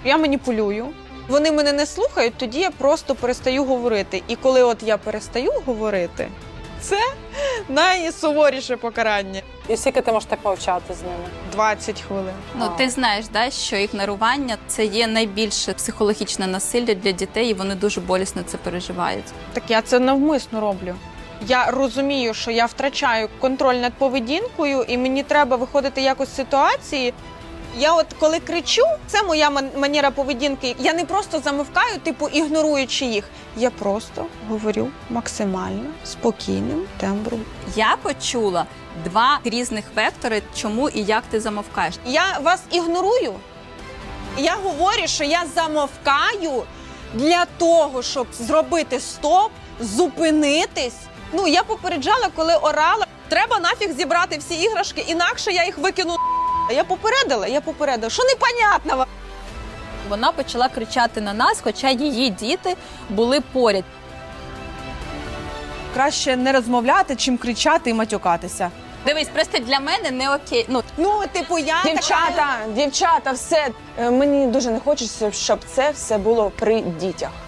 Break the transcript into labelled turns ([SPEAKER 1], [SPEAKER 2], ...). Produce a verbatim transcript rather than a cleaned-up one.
[SPEAKER 1] Я маніпулюю. Вони мене не слухають, тоді я просто перестаю говорити. І коли от я перестаю говорити, це найсуворіше покарання.
[SPEAKER 2] І скільки ти можеш так мовчати з ними?
[SPEAKER 1] двадцять хвилин.
[SPEAKER 3] Ну, ти знаєш, да, що ігнорування – це є найбільше психологічне насилля для дітей, і вони дуже болісно це переживають.
[SPEAKER 1] Так я це навмисно роблю. Я розумію, що я втрачаю контроль над поведінкою, і мені треба виходити якось з ситуації. Я от коли кричу, це моя манера поведінки. Я не просто замовкаю, типу ігноруючи їх. Я просто говорю максимально спокійним тембром.
[SPEAKER 3] Я почула два різних вектори, чому і як ти замовкаєш.
[SPEAKER 1] Я вас ігнорую. Я говорю, що я замовкаю для того, щоб зробити стоп, зупинитись. Ну, я попереджала, коли орала. Треба нафіг зібрати всі іграшки, інакше я їх викину. Я попередила, я попередила. Що непонятного?
[SPEAKER 3] Вона почала кричати на нас, хоча її діти були поряд.
[SPEAKER 4] Краще не розмовляти, чим кричати і матюкатися.
[SPEAKER 3] Дивись, просто для мене не окей. Ну,
[SPEAKER 1] Ну, типу, я
[SPEAKER 2] Дівчата,
[SPEAKER 1] така...
[SPEAKER 2] дівчата, все. Е, Мені дуже не хочеться, щоб це все було при дітях.